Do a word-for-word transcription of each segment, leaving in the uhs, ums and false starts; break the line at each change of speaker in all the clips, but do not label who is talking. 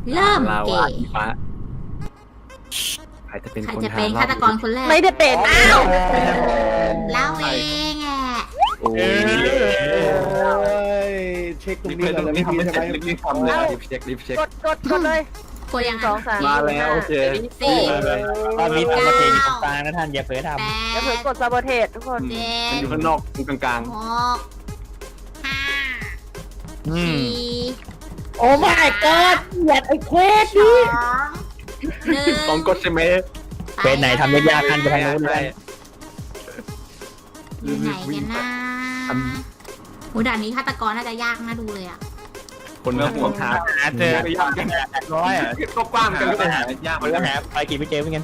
เริ่ม
ลา
เก
วา
ม
อีฟ้าใครจะเป็น
ใคร
คน
จะเป็น
ห
ฆาตกรคนแรก
ไม่ได้เป็น
อ้าวเราเองอ่ะ
โอ้ย
เช็คตรง
รีบ
นี้
เช็ค
ก่อน
รี
แล้ว
บ
ไม่
ทำ
มี
ไม่
ใช่ไหม
เสร็จรีบทำเลยรีบเช็ครีบเช็ค
กดกดกดเลย
กดยัง
สองสาม
มาแล้วโอเค
สี่
ตอนนี้ตามประเพณีของกลางนะท่านอย่าเผลอท
แป
อย่าเพิ่ง
ด
กดซาโบเทสทุกคน
เจ็
มัน
ด
อยู่ข้างนอกตรงกลาง
หกห้า
ำอืม
สี่
โอ้ my god เหยียดไอ้เควส
สอ
นี่
งหนึ่ง
ๆต้องกดใช่ไหม
เฟสไหนทำยากๆท่านไปทางนู้นเลย
อยู่ไหนกันนะโหด่านนี้ฆาตกรน่าจะยากน่าดูเลยอ่ะ
คนละหัวขา
หาเจอ
ไม่ยากกัน
ร้อยอ่ะ
ก็กว้างกันก็หายากเหมื
มั
อน น
ก็
กัน
หาไปกี่ไม่เจอเหมือนกัน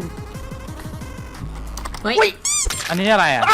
เฮ้ย
อันนี้อะไรอ่ะ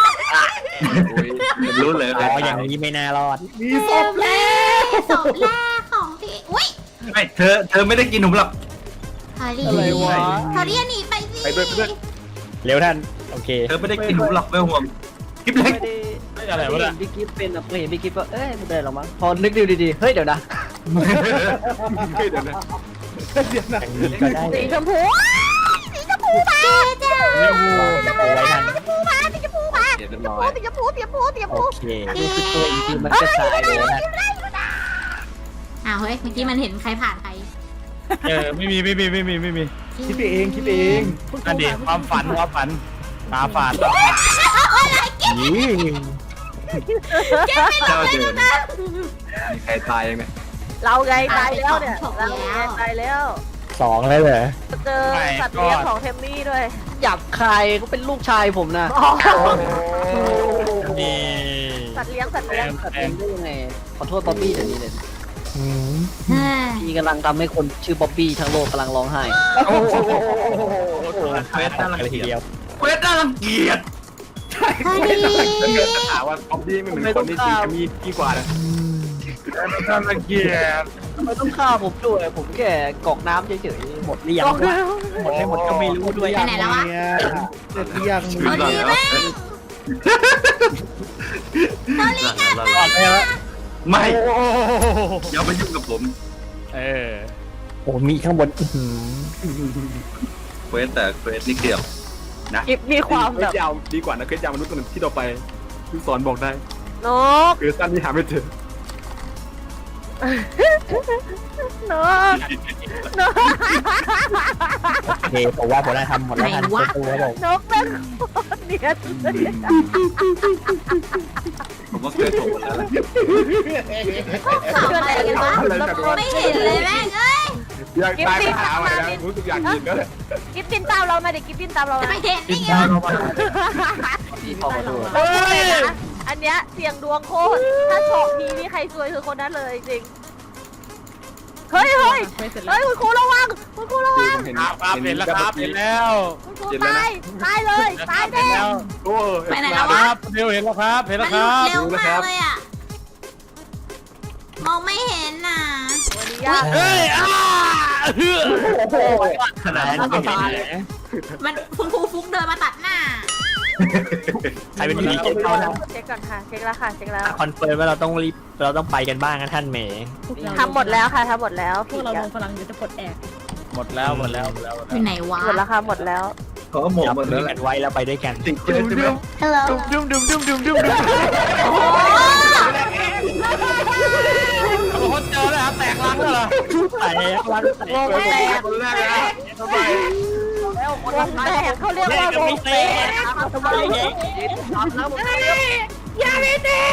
รู้เลย
อ๋ออย่างนี้ไม่น่ารอด
มีศพแล้ว
ศพแรกของพี่อุ้ย
ไม่เธอเธอไม่ได้กินหนุ่มหรอก
ทอรี่
อะไรวะ
ทอรี่หนีไปสิ
ไปด้วยไปด้วย
เร็วท่านโอเค
เธอไม่ได้กินหนุ่มหรอกไม่ห่วงกิ๊บเล็ก
ไม่อะไรวะ
เห็
เนี่ย
นพี่กิฟเป็นอ่ะเห็นพี่กิฟว่าเอ้ยไม่ได้หรอกมั้งพอนึกดูดีๆเฮ้ยเดี๋ยวนะ
เดี๋ยวนะ
เดี๋ยวนะ
อย่างนี้ก็ได้
สีชมพูสีชมพูมา
เจ้า
เร็วเอาไว้ท่าน
สีชมพูมาสีชมพูมา
เดี๋ยวเรียบร้อย
สีชมพูสีชมพูสีชม
โอ
พู
เค
รู้สึกตัวอีกทีมันกระจายเลยนะ
อ้าวเฮ้ยเมื่อกี้มันเห็นใครผ่านใคร
เออไม่มีไม่มีไม่มีไม่มี
คิดไปเองคิดไปเอง
นั่นดิความฝันความฝันตาฝาดตาฝาด
นี่
เจ้าเดินมีใครตายยังไง
เราไงตายแล้วเนี่ยเราไงตายแล้ว
สองแล้วเหรอ
เจอสัตว์เลี้ยงของเทมมี่ด้วย
หยับคายเขาเป็นลูกชายผมนะ
นี่
สัตว์เลี้ยงสัตว์เลี้ยง
ตัดเองได้ยังไงขอโทษบ๊อบบี้เดี๋ยวนี้เลย
อืม
เฮ้ย
พี่กำลังทำให้คนชื่อบ๊อบบี้ทั้งโลกกำลังร้องไห้
โอ้โห
เฟสน่ารักทีเดียว
เควสน่ารังเกียจ
ทอรี่
ถามว่าป๊อบบี้ไม่เหมือนคนที่จริงจะมีดีกว่านะ
น่ารังเกียจ
ทำไมต้องฆ่าผมด้วยผมแค่กรอกน้ำเฉยๆหมดหรือยังวะหมดไม่หมดก็ไม่รู้ด้วย
ไปไหนแล้ววะ
เสร็จหรือยัง
ทอรี่แม่งทอรี่กลับมา
รอดแล้ว
ไม่
โอ้
อย่ามายุ่งกับผม
เออ
โอ้มีข้างบนอื้อหือ
เควสแต่เควสนี่เกี่ยวนะ
กิฟมีความ
เคว
แบ
ส
บ
ยาวดีกว่านะเควสยาวมนุษย์ตัวหนึ่งที่ต่อไปคือสอนบอกได้
นก
เควสสั้นที่หาไม่เจอน
กนก
โอเคผมว่าผมได้ทำหมดแล้วท่านตัวตัวผม
นกเป็นคนเนียนเลย
ผมว่าเคยถูกแล้วแหละ
ขำอะไรกันวะไม่เห็นเลยแม่งเอ้ย
อยากตายก็หาไว้นะรู้สึกอยากกินก็เลย
กิฟตินตามเรามาดิกิฟตินตามเรา
จะ
มา
ไปเทนนี่ไง
พี่พอมาดู
เฮ้ยอันเนี้ยเสี่ยงดวงโคตร ถ้าโชคดีนี่ใครซวยคือคนนั้นเลยจริง เฮ้ยเฮ้ยเฮ้ยคุณครูระวังคุณครูระวัง
เห็น
ครับครับเห็นแล้วครับเห็นแล้ว
คุณครูตายตายเลยตายแน่
โอ้
ไปไหน
ค
แล้ววะ
รับเร็วเห็นแล้วครับเห็น
มั
แล้
น
วค
หลุ
รั
ด
บ
เร็วมากเลยอ่ะ มองไม่เห็นน่ะ
วันนี้ยาก
เฮ้ยอ้าเฮ้ย
ขนาดนั้น
ไม่
ก็
เห็น
ตาย
เลย
มันคุณครูฟุกเดินมาตัดหน้า
ใครเป็นผีเก็บเข้าท่าน
เช็คก่อนค่ะเช็คแล้วค่ะเช็คแล้ว
คอนเฟิร์มว่าเราต้องรีบเราต้องไปกันบ้างนะท่านเมย์
ทำหมดแล้วค่ะทำหมดแล้ว
พวกเราลงพลังอยู่จะปลดแอก
หมดแล้วหมดแล้วหมดแล้ว
อยู่ไหนวะ
หมดแล้วค่ะหมดแล้ว
เขาหมด
จับ
หมด
มื
แล้
อ
วแห
กั
ละ
นไว้แล้วไปด้วยกัน
สิ่งเควสใช่ไหม
ฮัลโหล
ดุมดุมดุมดุมดุมดุม
โอ้
โอ้โหเจอแล้วครับแตกลังแล้วเหรอ
แต่รันแต่
วงแตก
คนแรกเลยนะทำไม
วงแตกเขาเรียกว่าวงแตก
ทำไมเนี่ย
อย่าไม่ดี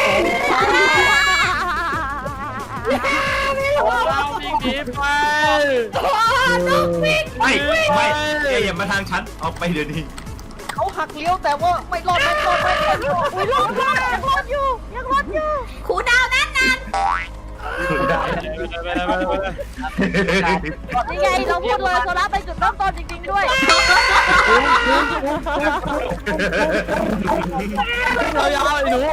ไม่รู้
เราวิ่งหนีไป
ไม่ไม่แกอย่ามาทางฉันออกไปเดี๋ยวนี้
เขาหักเลี้ยวแต่ว่าไม่รอดไม่รอดไม่รอด
อุ้ยรอดรอดยังรอดอยู่ยังรอดอยู่
ครูดาวนั่นนั่น
นี่ไงเราพูดเลยโซล่าไปจุดเริ่มต้นจริงๆด้วย
เราอย่าเอาไอ้หนู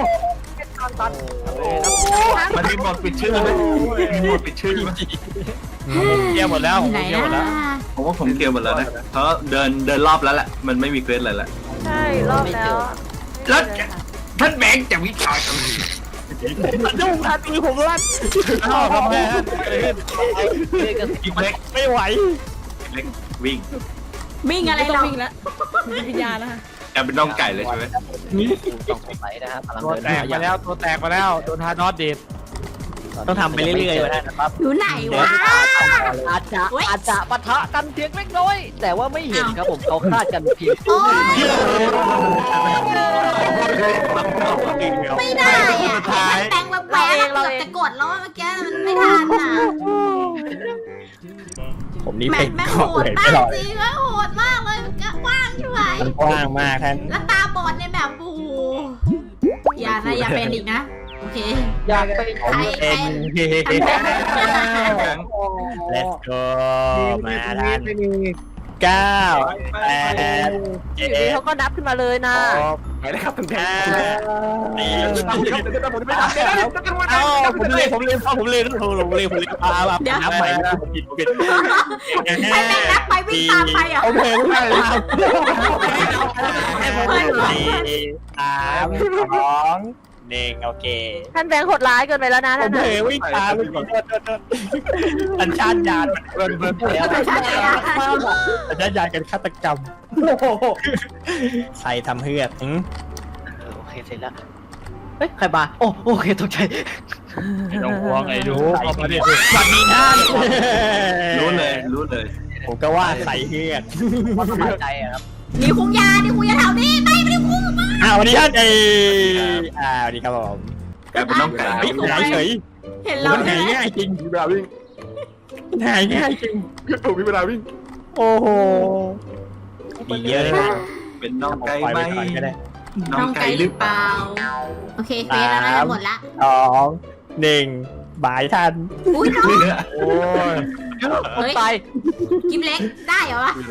มันมีหมดปิดชื่อไหมมีหมดปิดชื่อไหม
เกี่ยวหมดแล้ว
อยู่ไหน
เกี่ยวหมดแล้ว
นะ
ผมว่าผมเกลียวหมดแล้วนะเพราะเดินเดินรอบแล้วแหละมันไม่มีเควสอะไรแล้ว
ใช่รอบแล้ว
แล้วท่านแบงค์จะวิจารณ์
ดุ้งทันมือผมลั่น
อ้าวทำไมฮะ
กิ๊กเล็ก
ไม่ไหว
เล็กวิ่ง
วิ่งอะไร
ไม่ต้อ
เรา
งวิ่งแล้วมีวิญญาณนะคะ
แกเป็นน้องไก่เลยใช่ไหม
ต้องสงสัยนะฮะพลัง
ตัว
เดิน
แตกไปแล้วตัวแตกไปแล้วโดนทานอสดีด
ต้องทำไปเรื่อยๆนะครับ
อยู่ไหนวะ
อาจจะอาจจะปะทะกันเพียงเล็กน้อย แต่ว่าไม่เห็นครับผมเขาคาดกันเพียง
โอ้ยไม่ได้อ่ะมันแบงแบบแหวกเกือบจะกดแล้วเมื่อกี้มันไม่ทันอ่ะ
ผมนี่
แม่
เป็น
แม่
เกาะ
โหด
เลย
มา
ไม่
ก
รอด
จริงแล้วโหดมากเลยมันก็กว้างใช่ไหม
มันกว้างมากท่าน
แล้วตาบอดเนี่ยแบบโอ้โหอย่านะอย่าเป็นอีกนะโอเค
อยากไป
ผมเป็น let's go มาท่านเก้าแปด
อ
เจ็
ยู่ดี
ด
เขาก็นับขึ้นมาเลยนะ
ไปเลยครับคุณแพ้สี่เอ้าผมเล่นผมเล่นผมเล่นผมเล่นผมเล่นพาแบบนับใหม่ผมผิดผมผิด
ให้แม่งนับไปวิ่งตามไปอ่ะ
โอเคไม่ได้ครับสี่สามสองหนึ่งโอเค
ท่านแบงค์โหดร้ายเกินไปแล้วนะ
ผ
ท่าม น
เผ
น่ะ
ยวิ่งตามสัญชาตญาณมันเบิร์นเบิร์นแล้วสัญชาตญาณกันฆาตกรรมใครทำเฮือก
โอเคเสร็จแล้วเฮ้ยใครมาโอ้โอเคตกใจ
ไม่ต้องห่วงไอ้ดูเข้ามาดิ
สวัสดีท่าน
รู้เลยรู้เลย
ผมก็ว่าใส่เฮือก
ว่าสบายใจอะครับ
มีคุงยาดิคุงยาแถวนี้ไม่ไม่ได้คุงมา
อ้าวสวัสดีท่านเออ่าสวัสดีครับผม
แกเป็นน้องไก่
เฮ้ยหายเฉย
เห็นเรา
มัน
ใช่
หาย
ไหม
ง่ายจริง
มีเวลาวิ่ง
หายง่ายจริง
ผมมีเวลาวิ่ง
โอ้โหมีเยอะเลยนะ
เป็นน้องไก่
ปล่อย
ไหม
ไปก่อนก็ได้
น้
น้
อ
อง ง
ไก่
ไก่
ห
ห
รื
รือ อ
เป
เป
ล่า
ล่าโอเคเฟสแล้วน่าจะหมดละ
สองหนึ่งบายท่าน
อุ้ยน้อง
โอ้ย
คน
เฮ้ย
ตาย
กิมเล็กได้เหรอวะ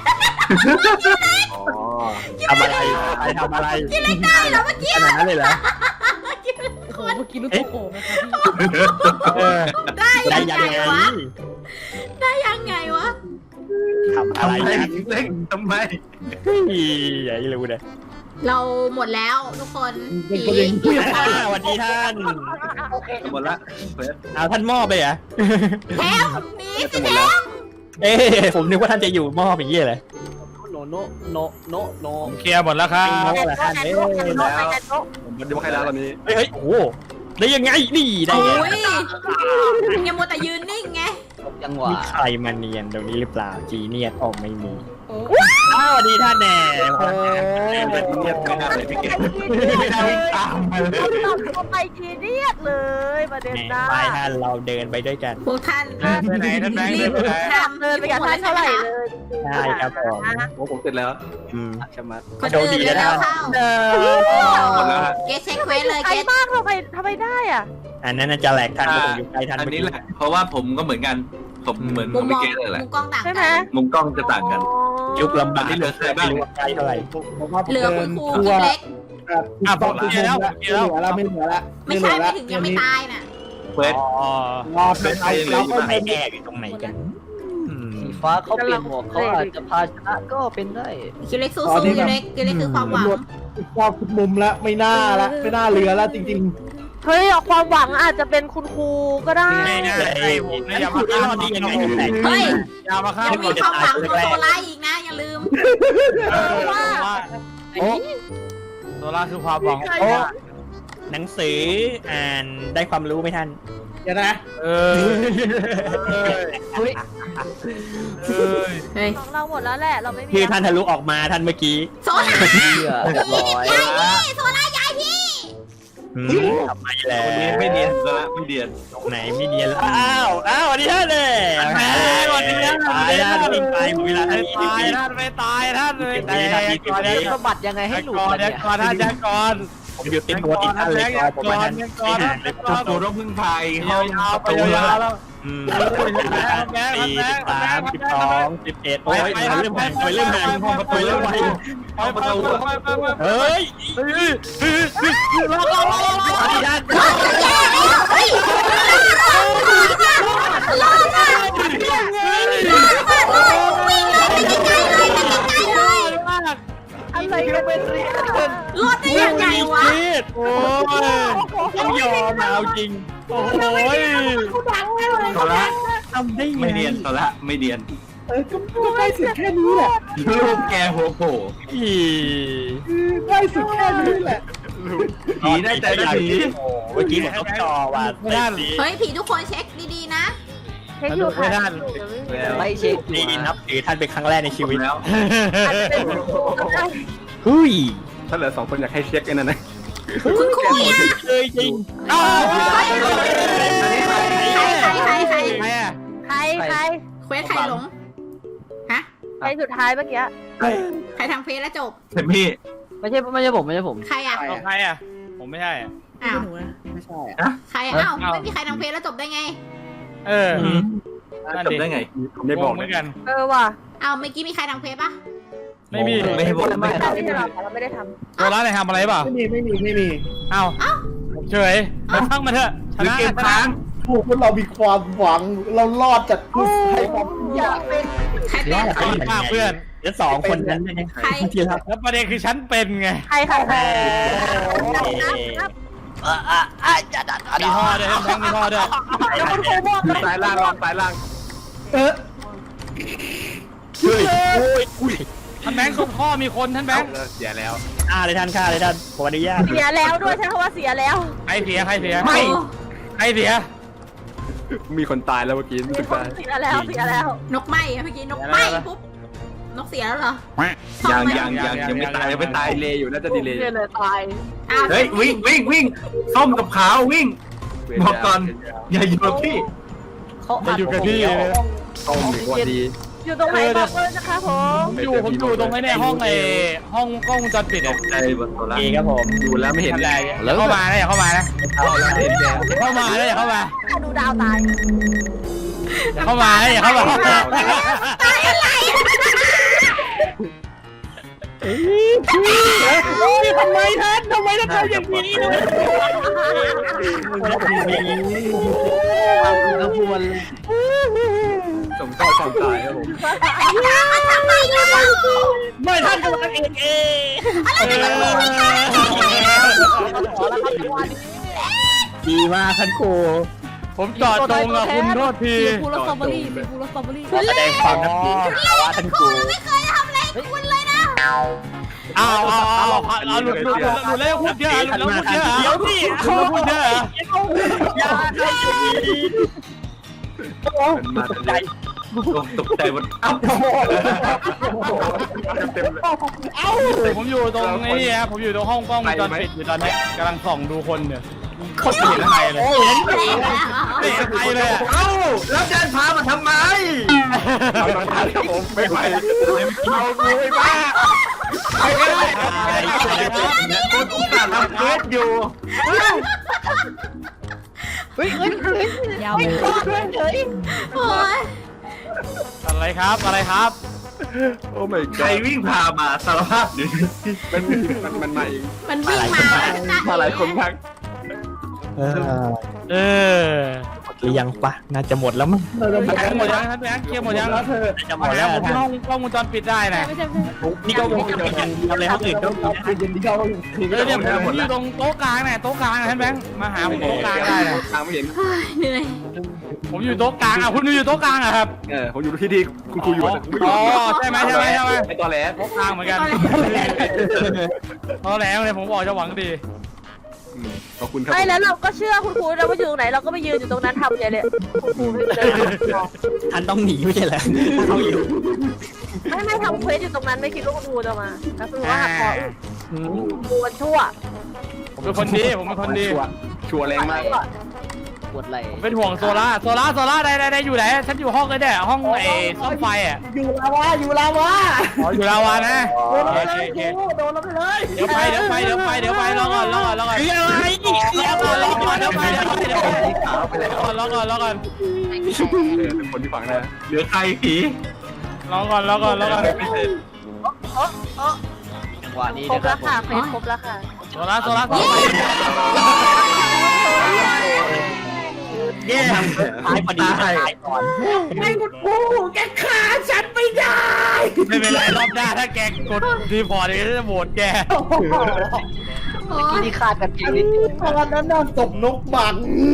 อ๋อ
ทำอะไรใครทำอะไร
กิมเล็กได้เหรอเมื่อกี้
ขนาดนั้นเลยเหรอ
โอ้โหเมื่อกี้ลูกโป่งนะคะพี่
เออ
ได้
ได้
ยัง
ยัง
ไง
ไง
วะได้ยังไงวะ
ทำอะไร
ทำไม
กัน
เล็กทำไม
อย่าให้รู้เลย
เราหมดแล้วทุกคนผี
อ่าสวัสดีท่าน
หมดละเฟส
เอาท่านมอบไปเหรอ
แถมหนีสิแถม
เอ๊ะผมนึกว่าท่านจะอยู่มอบอย่างเงี้ยเลย
โนโนโนโนโน
เคลียร์หมดแล้วครับ
โง่เหรอท่านเอ้ย
ผมมันยังไม่ใครแล้วตอนนี้
เฮ้ยเฮ้ยโอ้โหได้ยังไงนี่ได้
โอ้
ไง
ยยังมัวแต่ยืนนิ่งไง
จังหวะ
มีใครมาเนียนตรงนี้หรือเปล่าจีเนียนออกไม่มี
โอ้
อ้าวสวัสดีท่านแน่
เงียบไม่น่าเลยพี่เก่ง
ไม่ได้วิ่งตามมาเลย
ตอบเข้าไปทีเรียกเลยประเด็น
แหม่
นะ
ไปท่านเราเดินไปด้วยกัน
พวกท่าน
ไปไหนท่านแบงค์
รีบ
ไปไหน
ทำ
เดินไปกับท่านเท่าไหร่เลย
ใช่ครับผม
โอ้ผมเสร็จแล้ว
อืม
ใช่ไหม
คนอื่นเร็วๆเข้า
หมดแล้วฮะ
เกสเช็คเควสเลย
ไกล
เกส
มากทำไมทำไมได้อ่ะ
อันนั้นน่าจะแหลกท่านเพราะผมอยู่ใกล้ท่าน
อันนี้แหละ เพราะว่าผมก็เหมือนกัน ผมเหมือน
มุ
ขอ
ม
ง
ม
พี่
อง
เก๋เลยแหละ
มุมกล้องต่าง
ใช่ไหม
กัน
มุมกล้องจะต่างกัน
ยุคลำบาก
อันนี้เหลือใครบ้าง
ไม่รู้ว่าใกล้เท่าไหร่
ผมว่าผม
เหลือ
เดิ
คุณ
น
ครู
ทั่
กิ
ว
มเล็ก
อ่ะผมเคลียร์แล้วผมเคลียร์แล้ว
แล้วไม่เหลือแล้ว
ไม่ใช่ไม่ถึงยังไม่ตายน่ะ
เฟส
อ๋อ
รอเป็นเราเราก็
ไม่
เป็น
แอบอยู่ตรงไหนกันอืม
สีฟ้าเขาเปลี่ยนหมวกเขาอาจจะพาชนะก็เป็นได้
กิมเล็กสู้ๆกิมเล็กกิมเล็กคือความหวัง
รอบทุกมุมแล้วไม่น่าละไม่น่าเหลือแล้วจริง
เฮ้ยเอาความหวังอาจจะเป็นคุณครูก็ได้
ไม่ได้ไอ้ผมเนี่ยอย่ามา
พูด
ฆ่า
ได้ดียังไงแตก
เฮ้ย
อย่ามาฆ่า
ยังมีความหวังของโซล่าอีกนะ อย่าลืม
ว่าโซล่าคือความหวัง
ใคร
โอ้
อะ
หนังสืออ่านได้ความรู้ไหมท่าน
ๆเดี๋ยวนะ
เออ
เฮ้ย
เอ้ย
เฮ้ย
ของเราหมดแล้วแหละเราไม่มี
คือท่านทะลุออกมาท่านเมื่อกี้
โซล่า
เชื่อเรียบร้อย
ย้ายพี่โซล่าย้ายพี่
อืมทำไมแล้ว
คนนี้ไม่เนียนซะละไม่เนียน
ตรงไหนไม่เนียนแล้วอ้าวอ้าวสวัสดีท่านเลยแหมสวัสดีท่านตายท่านวิ่งไปหมดเวลาท่าน
ไม่ตายท่านไม่ตายท่านไม่ตายก่อน
จะ
เดี๋ยว
สะบัดยังไงให้หลุด
ก่อน
ล่ะ
เดี๋ย
เนี่
วย ก่อนท่านยังก่อน
ผมอยู่ติดตัวติดท่านเลยก่อนผมมาท่านไม่หานเลย
จุดตัวต้องพึ่งพาย
ยา
เข้าว
ๆไป
ประตู
ยาวๆแล้ว
อืม
แบงค์
สี่
แบ
สิ
ง
บ
ค์
สามสิบสองสิบเอ็ดโอ้ยเริ่มห่างเริ่มห่างเริ่มไว
เข้าประตู
เฮ้ยสวัสดีท่าน
แย่แล้วเฮ้ยรอดมากรอดมากรอดมากวิ่งเลยไปไกลๆเลยไปไกลๆเลย
อะไรกันเป็นเรื่อง
รอดได้ยังไงวะ
โอ้ย
ต้องยอมเอาจริงโอ้โห
โซละ
ทำได้ไง
ไม่เดียนโซละไม่เดียน
เออก็ก็ได้สุดแค่นี้แหละ
ลูกแกหัวโผล่
อี
ได้สุดแค่นี้แหละ
ผีได้ใจได้ผี
เมื่อกี้ผมต้องจอว่าไม่ได้
เฮ้ยผีทุกคนเช็คดีๆนะ
เช็คอยู่ค่ะ
ไม่ได้
ไม่เช็ค
ดีนับถือท่านเป็นครั้งแรกในชีวิต
แล้ว
อาจจะเป็น
เฮ้ย
ถ้าเหลือสองคนอยากให้เช็คไอ้นั่นนะ
คุณครูอะ
เคยจริงอ้าว
ใครใครใครใคร
ใครอ่ะ
ใครใคร
เควสใครหลงฮะ
ใครสุดท้ายเมื่อกี้
ใครทำเควสแล้วจบ
เซมี่
ไม่ใช่ไม่ใช่ผมไม่ใช่ผม
ใครอ่ะ
เอาใครอ่ะผมไม่ใช่อ่ะ
อ้าว
หนูนะ
ไม่ใช่อะ
ใครอ่ะอ้าวไม่มีใครทำเควสแล้วจบได้ไง
เออ
จบได้ไง
ผมได้บอก
เห
เล
มื
ย
อนกัน
เออว่ะ
เอาเมื่อกี้มีใครทำเควสปะ
ไม่มี
ไม่ให้บอก
ไม่
ไม่
ไม่
เราไม่ได้ทำเราไม่ได้ท
ตัวร้านไหนทำอะไรเปล่า
ไม่มีไม่มีไม่มี
เอ้าเฉยไปฟังมาเถอะช
หรือ
นะ
เกมค้าง
พวกเรามีความหวังเรารอดจากผู้ให้ความ
ำอยากเป็น
ใครเป็น
ขอบคุณมากเพื่อน
เดี๋ยวสองคนนั้นยัง
ใคร
ทีละ
แล้วประเด็นคือฉันเป็นไง
ใครใครใคร
มีท่อด้วยทั้งมีท่อด้วย
สายล่างลองสายล่าง
เออ
เฮ้ยอุ้ยท่านแบงค์ตรงท่อมีคนท่านแบงค์
เสียแล้ว
ฆ่าเลยท่านฆ่าเลยท่านผมอนุญาต
เสียแล้วด้วยใช้คำว่าเสียแล้ว
ใครเสียใครเสีย
ไม่
ใครเสีย
มีคนตายแล้วเมื่อกี้
มี
รู้สึก
คน
ได้
เสียแล้วเสียแล้ว
นกไหมอะเมื่อกี้นกไหมปุ๊บนกเสียแล้วเหรอ
ยังยังยังยังไม่ตายยังไม่ตาย
ดีเลยอยู่น่าจะดีเลย
เสียเลยตาย
อ้าว
เฮ้ยวิ่งวิ่งวิ่งส้มกับขาววิ่งบอกก่อนอย่าอยู่กับพี่
เขา
มาอยู่กับพี่
ต้มดีกว่าดี
อยู่ตรงไหนบอกเลยนะคะผม
ผมอยู่ผมอยู่ตรงไอ้เนี่ยห้องไอ้ห้องกล้องวงจรปิดอ่ะ
ใจบนโซละ
ดีครับผม
ดูแล้วไม่เห็น
อะไรอย่าเข้ามานะอย่าเข้ามานะ
เข้าแล้วเห็นแล้ว
อย่าเข้ามานะอย่าเข้ามา
ดูดาวตาย
อย่าเข้ามานะอย่าเข้ามา
ตายอะไร
ทำไมท่านทำไมท่านทำอย่างนี้ด้วย
กระบวน
สมเข้าความตายครับผม
มันทำไมอยู่
ไม่ท่านกำลังเองเอง
ดีมากท่านครู
ผมจอดตรงอ่ะคุณโทษที
สีฟูรสตรอเบอรี่สีฟูรสตรอเบอรี่
แสดงความนับถือว่าท่านครู
ไม่เคยทำอะไรคุณเลยนะ
อ้าวอ้าวอ้าวเอาหลุดหลุดหลุดหลุดแล้วพูดเยอะหลุดแล้วพูดเยอะเดี๋ยวพี่เขาพูดเยอะ
อย่าให้ดี
มาใจตกใจบนเอ้า
เต็มเลย
ผมอยู่ตรงไอ้นี่ครับผมอยู่ตรงห้องกล้องวงจรปิดอยู่ตอนนี้กำลังส่องดูคนเนี่ยโคตรเห็นใครเลยไม่เห็นใครเลย
เอ้าแล้วเดินพามาทำไม
เอาตอนท้ายครับผมไม่ไหว
เอากูไอ้บ้าไอ้ไอ้คนอุตส่าห์ทำเควสอยู่
เฮ้ยเฮ้ยเฮ้ย
ยาวเลย
โอ้ย
อะไรครับอะไรครับ
โอ้ไม่
ใครวิ่งพามาสารภาพหนึ่ง
มันมันมันมาเอง
มันวิ่งมา
มาหลายคนมาก
เออ
หรือยังปะน่าจะหมดแล้วมั้ง
เราจะ
ท่านหมดยังท่านแบงค์เคลียร์หมดยัง
แล้วเธอ
จะหม
หม
ด
ด
แล้
แล้ว
ว
ผมห้องกล้องวงจรปิดได้นะ
ไม่ใช่ไม่ใช่
นี่ก็วงจรปิดอย่างเดียวเลยครับอื่นก็
คือเย็นที่เขาคือ
เออเนี่ยผมอยู่ตรงโต๊ะกลางเนี่ยโต๊ะกลางท่านแบงค์มาหาผมโต๊ะกลางได้นะ
ทางไม่เห็น
เหนื่อย
ผมอยู่โต๊ะกลางอ่ะคุณอยู่โต๊ะกลางอ่ะครับ
เออผมอยู่ที่ที่คุณครูอยู่
อ๋อใช่ไหมใช่ไหมใช่ไหม
ไอตอแหล
โต๊ะกลางเหมือนกันตอนแล้วเนี่ยผมบอกจะหวังดี
ขอบคุณครับ
ไม่แล้วเราก็เชื่อคุณครูนะว่าอยู่ตรงไหนเราก็ไปยืนอยู่ตรงนั้นทำอย่างเนี้ยคุณครูไม่เลย
ท่านต้องหนีไม่ใช่เหรอเขาอยู่
ไม่ไม่ทำเควสอยู่ตรงนั้นไม่คิดว่าคุณครูจะมาแล้วคือว่าหักคอคุณครูมันชั่ว
ผมเป็นคนดีผมเป็นคนดี
ชัวร์แรงมาก
ปวดไหล่
ผมเป็นห่วงโซล่าโซล่าโซล่าได้ได้ได้อยู่ไหนฉันอยู่ห้องเลยเนี่ยห้องไอ้ซ่อมไฟอ่ะ
อยู่ลาวาอยู่ลาวา
อ๋ออยู่ลาวานะ
โดนเราไปเลยโดนเราไปเลย
เดี๋ยวไปเดี๋ยวไปเดี๋ยวไปเดี๋ยวไปรอก่อนรอก่อนรอก่อน
คืออะไรนี่คือ
รอ
อะไร
ก่อนรอก่อนเดี๋ยวไปเดี๋ยวไปเดี๋ยวไป
ขาวไปแล้ว
รอก่อนรอก่อน
เป็นคนที่ฟังนะ
เหลือใครผี
รอก่อนรอก่อนรอก่อน
ไม่เสร็จ
จังหวะนี้
ครบ
นะครั
แล้
บ
วค่ะเควสครบแล้วค่ะ
โซล่าโซล่าโซล่า
เย้ตายพอดีตายก่อน
ไอ้คุณครูแกฆ่าฉันไม่ได้
ไม่เป็นไรรอบหน้าถ้าแกกดรีพอร์ตเดี๋ยวจะโหวตแก
โอ้
เมื่อกี้
ย
นี่คาดกันจริงนิดเดียว
ตอนนั้นน่ะศพนกบัง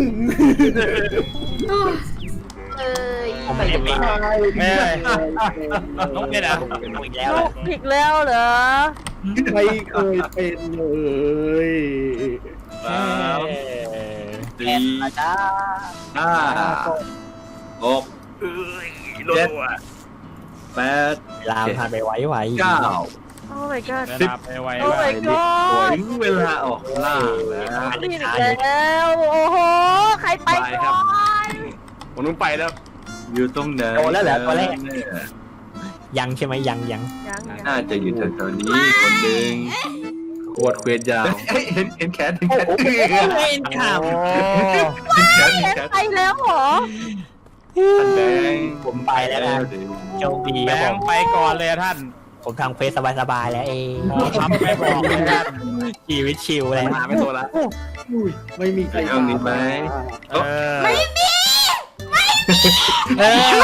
เอ้ย
ผมไม่ได้เป็น
ไม่ได้น้องเป็นอ่ะ
อีกแล้ว
ลูกผิดแล้วเหรอ
ไม่เคยเป็นเลย
สามสี่
มาจ้า
ห้าหกเจ็ดแปด
เวลาผ่านไปไวๆ
เก้า
โอ้ my god
สิบไปไว
โอ้ my god
ถึงเวลาออกล่าแล้ว
ผิดอีกแล้วโอ้โหใครไปก่อน
ผมต้องไปแล้ว อยู่ตรงไหน
โตแล้วเหรอตัวแรก
เนี่ย
ยังใช่ไหมยังยัง
ยังยัง
น่าจะอยู่แถวๆนี้คนหนึ่งขวดเควดยาวเฮ้ยเห็นเห็นแขนเห็นแขน
เล่นข่าว
เห็นแขนเห็นแขน
ไปแล้วเหรอ
ท่านแดง
ผมไปแล้วนะโชคดี
แบ
ครับ
ง
ผม
ค์ไปก่อนเลยอะท่าน
ผมทำเฟซสบายๆแล้วเอง
หมอครับไม่บอกเลยท่าน
ชีวิตชิลเลย
มาไม่โตละ
อุ้ยไม่มีใคร
ไปเอานี้ไหม
เออ
ไม่มี
เออ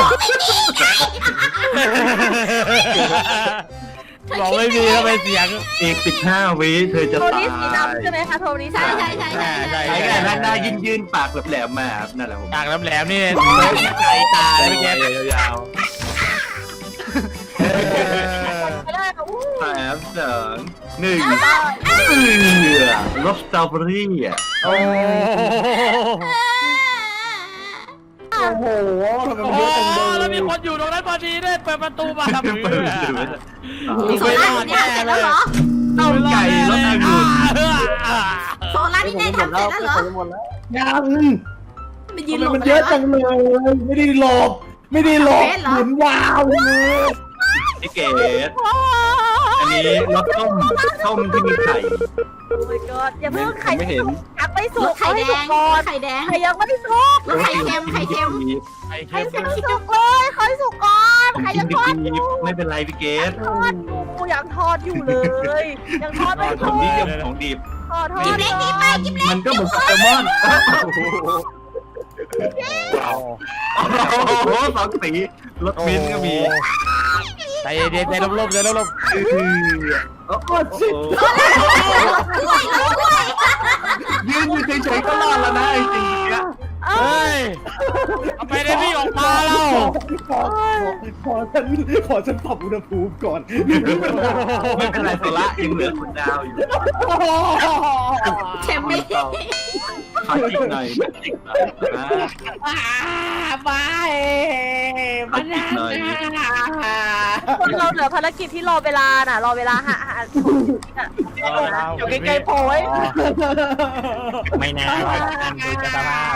บอกไม่มีก็ไปเสียง
อีกสิบห้าวิเธอจะ
โท
ตาย
นี่สีดำใช่ไหมคะโทนี่
ใช่
สี
ใช่
ดำ
ใช่ใช่
ใช่
ใช่
ใช่ไงหน้ายื่นยื่นปากแหลมๆมาครับนั่นแหละผม
ปากแหลมๆนี่
ใจตาเลย
เมื่อ
เมื่อ
กี้
กี้
ยาว
ไม่ได้ค่ะอู้
ๆสามสองหนึ่งเออรสสตรอเบอรี่อ่ะ
โอ้
โอ้โหทำไม
โห
มันเยอะจังเลย
แล้วมีคนอยู่ตรงนั้นพอดีด้วยเปิดประตูมาทำ
เปิด
มือ
โซล่านี่ทำเสร็จแล้วเหรอ
ต้มไก่รสองุ่น
โซล่านี่ได้ทำเสร็จแล้วเหรอ
หมดแล้ว
ยัง
มันยื
ทำ
น
ไม
หลบ
มันเยอะจังเลย ไม่ได้หลบ ไม่ได้หลบหมุนวาวเลย
พี่เกดอันนี้รสต้มต้มที่มีไข่
โอ้ my god อย่าเพิ่งไข่
ไม่เห็น
ยังไม่สุ
ร
ก
ถไข่แดง
ก่อน
ไข่แดง
ไข่ยังไม่สุก
รถไข่เค็มไข่เค็ม
ไอ้
ไข่
เค็ม
ยังไม่สุกเลยไข่สุกก่อนไข่
กิ
ยั
น
ง
ดิ
ทอดอบ ยู่
ๆไม่เป็นไรพี่เกด
ทอดอยู่ยังทอดอยู่เลย ยังทอดไม่
ข
สุ
อง
ก
ดีกับของดี
ทอดทอ
กิ
ด
บเล็กนี่ไปกิบเล็ก
มันก็เหมือนโปเกมอนโอ้โหสองสีรสมิ้นท์ก็มี
ใจเย็นใจลมๆใจลม
โอ้โหยืนอยู่เฉยๆก็รอดแล้วนะไอ้สิ่งเนี้ย
ๆเฮ้ยทำไมได้พี่ออกมาแล้ว
ขอขอฉันขอฉันปรับอุณหภูมิก่อน
ไม่เป็นไรโซละยังเหลือคนดาวอยู่
เค็มไม่
ขอจิกหน่อยจิกหน่อยนะ
ไป
ขอจิกหน่อย
คนเราเหลือภารกิจที่รอเวลาน่ะ รอเวลาหาหาอยู่ใกล้ๆโพย
ไม่น่าไปกันดูจะสภาพ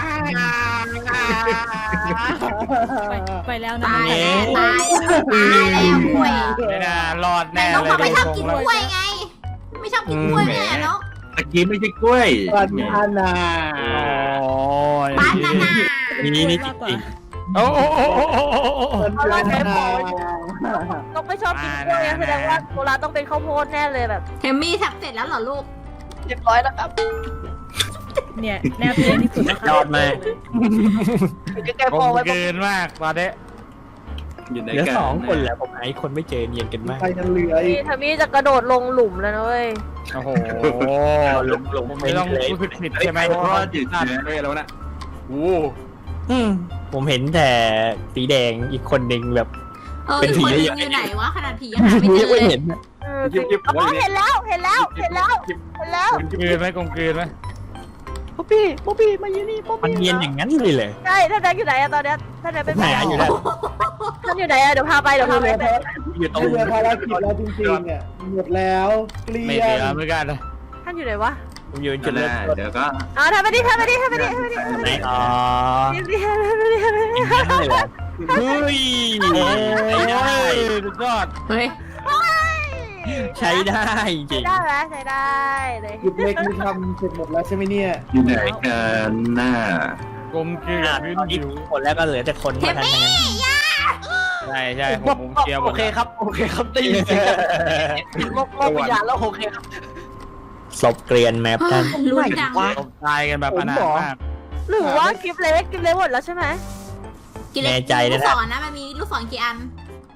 ไปไปแล้วนะ
ตายแล้วตายตายแล้วกล้วย
ไม่น่ารอด
แต่
แน่
น้อง
เล
เขาไม่
ย
ชอบกินกล้วยไง ไม่ชอบกินกล้วยเนี่ยน้อง
ตะกี้ไม่ใช่กล้วย
ปันอานา
โอ้ย
บานาน่า
นี่นี่จริง
โอ้โอ้โอ้โอ้โอ้โอ้
ปันอานา
น้องไม่ชอบกินกล้วยแสดงว่าโบราณต้องเป็นข้าวโพดแน่เลยแบบ
เทมมี่ทำเสร็จแล้วเหรอลูก
เรียบร้อยแล้วครับ
เนี่ยแนวเพียงที่สุดนะคะ
ยอดมาก
อยู่ใกล้ๆ
ผ
โพ
ม
ไว้
เกินมากตอนนี้
อยู่ใน
เหลือ
กัน
สองคนแล้วผมไอ้คนไม่เจอเนียนกันมาก
ใครจะเหลืออี
นี่
ก
ทามี่จะกระโดดลงหลุมแล้วนะเว้ย
โอ้โห
ลงลง
ผมไม่ต้องรู้สึกผิด
ไอ้
ใช่ไหม
ไอ้
เพ
เพ
ราะ
ราะ
ว่า
ว่าจืด
พลาด
เชื้อ
ไปแล้วนะโอ้
ผมเห็นแต่สีแดงอีกคนหนึ่งแบบ
เออ
เป็น
อีก
ผี
คนนึง
ใหญ่
อยู่ไหนวะขนาดผียังหาไม่เจ
ยั
อง
ไม่
เลย
เห็น
เออจริงอ๋อเห็นแล้วเห็นแล้วเห็นแล้วเห็นแล้ว
กลมกลืนไหมกลมกลืนไหม
ป๊อปปี้ป๊อปปี้มาอยู่นี่ป๊อป
มัน
ปี้
เนียนอย่างนั้นเลยเลย
ใช่ท่านแดงอยู่ไหนอะตอนเนี้ยท่านแดงเป็น
หาอยู่แล้ว
ท่านอยู่ไหนอะเดี๋ยวพาไปเดี๋ยวพาไป
อยู่ตรง
ไม่เหลือภารกิจแล้วจริงๆเนี่ยหมดแล้วเกลี้
ไม่
ย
เหลื
ง
อเหมือนกันนะ
ท่านอยู่ไหนวะ
ผมยืน
จุ
จุ
ด
ด
แร
เริ่ม
ก
ต้น
เดี๋ยวก็
อ๋อทำไปดิทำไปดิทำไปดิทำไปดิ
ไหนอ๋อ
ทำไปดิทำไปดิทำไปดิ
อย่างนั้นเลยเหรอเฮ้ยไม่ได้
สุดยอด
เฮ้ย
ใช้ได้จริ
ใช้
ง
ได้ไหมใช้ได้เลย
จุดเล็กนี่ทำเสร็จหมดแล้วใช่ไหมเนี่ย
อยู่ไหนกันหน้าก
ลมกลืน
อ่ะ
พื้น
ตอนนี้
ผิว
คนแล้วก็เหลือแต่คน
เท
มา
ม
ทาง
มี่
นั้น
ย่า
ใช่ใช่ผมผมเคลียร์หม
โอ
ด
เคครับโอเคครับได้ยินเสียงโลกโลกวิญญาณแล้วโอเคครับ
ศพเกรียนแมปท่าน
ลุ้นจัง
ตบตายกันแบบอนาถมาก
หรือว่ากิฟเล็กกิฟเล็กหมดแล้วใช่ไหม
กินเลยลูกศรนะมันมีลูกศรกี่อัน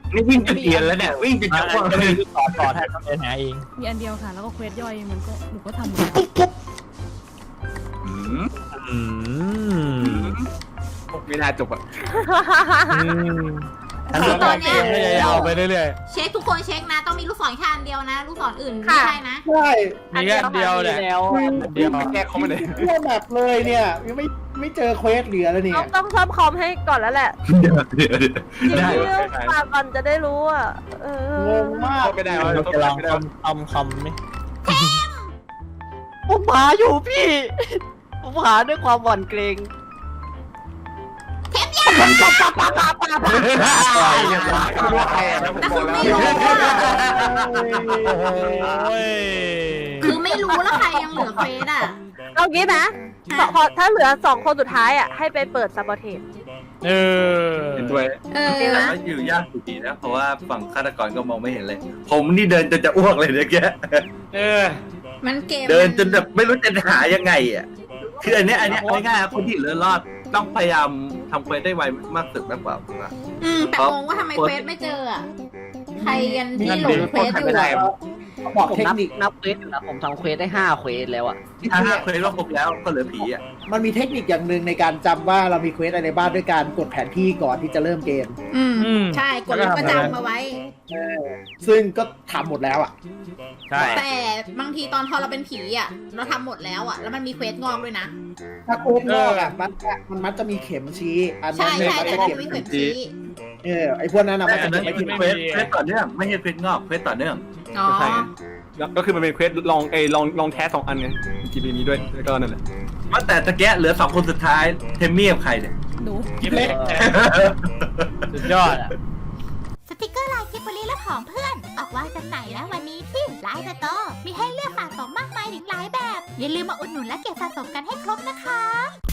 นี่วิ่งจนเอียนแล้วเนี่ยวิ่งจนจะอ้วกเลย
ต่อต่อแทนต้องเดินหาเอง
มีอันเดียวค่ะ แล้วก็เควสย่อยมันก็หนูก็ทำหมดแล้ว
อืม
อืม
ไม่น่าจบอ่ะ
อันนี้ก็พยายามไปเรื่อย
เช็คทุกคนเช็คนะ ต้องมีลูกศรแค่อันเดียวนะ ลูกศรอื่นไม่ใช่นะ
ใช่
ๆมีแค่อันเดียวแหละ
แล้ว
อันเดียว
แก้เขามาเลย
ทั่วแมปเลยเนี่ยยังไม่ไม่เจอเควสเหลือแล้วเนี่
ต้อย งต้องซ่อมคอมให้ก่อนแล้วแหละ
เดี๋ยวเดี๋ยว
จริง
ได้
ๆมาก่อนจะได้รู้อ่ะเอง
งมาก
ไม่ได้
เรา
เรา
จะลอง
ไม่ได้
ทำทำคำไหม
ผมหาอยู่พี่ ผมหาด้วยความหวั่นเกรง
ไม่รู้ใครอ่ะ
แต่คือไม่รู้อะ
โอ้ย
คือไม่รู้แล้วใครยังเหลือเควสอ่ะ
เอางี้นะพอพอถ้าเหลือสองคนสุดท้ายอ่ะให้ไปเปิดซับบอเทน
เออ
เห็นด้วย
เออ
แต่ว่าอยู่ยากอยู่ดีนะเพราะว่าฝั่งฆาตกรก็มองไม่เห็นเลย ผมนี่เดินจนจะอ้วกเลยเมื่อกี้
เออ
มันเกม
เดินจนแบบไม่รู้จะหายังไงอ่ะคืออันเนี้ยอันเนี้ยง่ายๆคนที่เหลือรอดต้องพยายามทำเควสได้ไวมากสุดมากกว่าผมว่า
อืมแต่งงว่าทำไมเควสไม่เจออ่ะ ใครกันที่หลงเควสอยู่อะ
บอก
ผม
เทค
นับ
นิค
นับเควสอยู่นะผมทำเควสได้ห้าเควสแล้วอะ
ถ้าห้าเควสรอบครบแล้วก็เหลือผีอ่ะ
มันมีเทคนิคอย่างหนึ่งในการจำว่าเรามีเควสอะไรในบ้านด้วยการกดแผนที่ก่อนที่จะเริ่มเกม
อืม
อืม
ใช่กดรถประจำมาไว้
ซึ่งก็ทำหมดแล้วอ่ะ
ใช่
แต่บางทีตอนพอเราเป็นผีอ่ะ เราทำหมดแล้วอ่ะ แล้วมันมีเควสงอกด้วยนะ
ถ้าเควสนอกอ่ะมันมันมักจะมีเข็มชี้อันนั้
ใช่
นเนี่ย
ใช่
มัน
แต่
จะ
มัน
เก็บ
จะมีเควสชี้
เออไอพวกนั้นนะ
แต่
มัน
อั
จะ
น
เก็
นั้
บ
น
ไว้
เป็
ที่
นเควสเควสต่อเนื่องไม่ใช่เควสงอกเควสต่อเนื่อง
อ๋อ
ใช่แล้วก็คือมันเป็นเควสลองเอยลองลองแท้สองอันไงจีบีมีด้วยแล้วก็นั่นแหละ
ว่าแต่ตะแกะเหลือสองคนสุดท้ายเทมมี่กับใครเนี่ย
หนู
กินเล็กสุดยอดอ่ะ
สติกเกอร์ลายกิบบลีและของเพื่อน ออกวางจำหน่ายแล้ววันนี้ที่ไลน์สโตร์มีให้เลือกสะสมมากมายถึงหลายแบบ อย่าลืมมาอุดหนุนและเก็บสะสมกันให้ครบนะคะ